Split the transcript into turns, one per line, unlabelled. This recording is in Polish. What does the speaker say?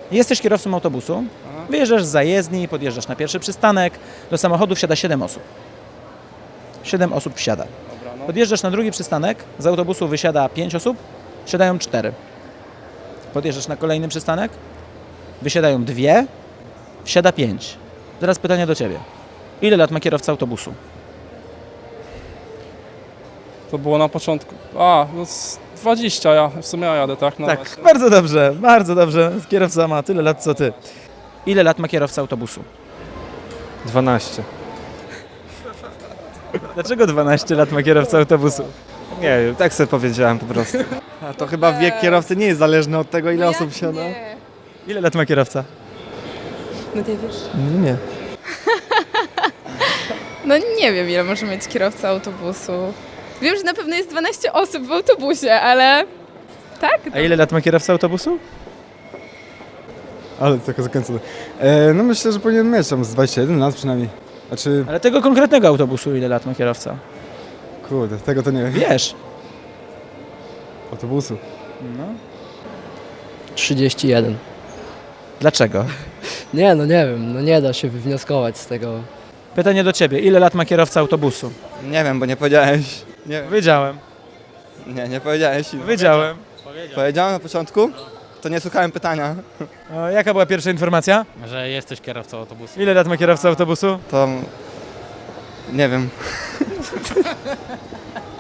Jesteś kierowcą autobusu, wyjeżdżasz z zajezdni, podjeżdżasz na pierwszy przystanek, do samochodu wsiada 7 osób. 7 osób wsiada.
Dobra, no.
Podjeżdżasz na drugi przystanek, z autobusu wysiada 5 osób, wsiadają 4. Podjeżdżasz na kolejny przystanek, wysiadają 2, wsiada 5. Teraz pytanie do Ciebie. Ile lat ma kierowca autobusu?
To było na początku. No z 20, w sumie ja jadę, tak? No
Tak,
właśnie.
bardzo dobrze, bardzo dobrze. Kierowca ma tyle lat co Ty. Ile lat ma kierowca autobusu?
12.
Dlaczego 12 lat ma kierowca autobusu?
Nie wiem, tak sobie powiedziałem po prostu.
A to chyba wiek kierowcy nie jest zależny od tego, ile osób siada.
Nie.
Ile lat ma kierowca?
No ty wiesz?
Nie.
No nie wiem, ile może mieć kierowca autobusu. Wiem, że na pewno jest 12 osób w autobusie, ale... Tak?
A ile lat ma kierowca autobusu?
Ale tylko zakręcone. No myślę, że powinien mieć tam z 21 lat przynajmniej. Znaczy,
Ale tego konkretnego autobusu ile lat ma kierowca?
kurde, tego to nie wiem.
Wiesz.
Autobusu.
No.
31.
Dlaczego?
Nie, no nie wiem, no nie da się wywnioskować z tego.
Pytanie do Ciebie. Ile lat ma kierowca autobusu?
Nie wiem, bo nie powiedziałeś. Nie wiem.
Wiedziałem.
Nie powiedziałeś.
Wiedziałem.
Powiedziałem na początku? To nie słuchałem pytania.
Jaka była pierwsza informacja?
Że jesteś kierowcą autobusu.
Ile lat ma kierowca autobusu?
To... Nie wiem.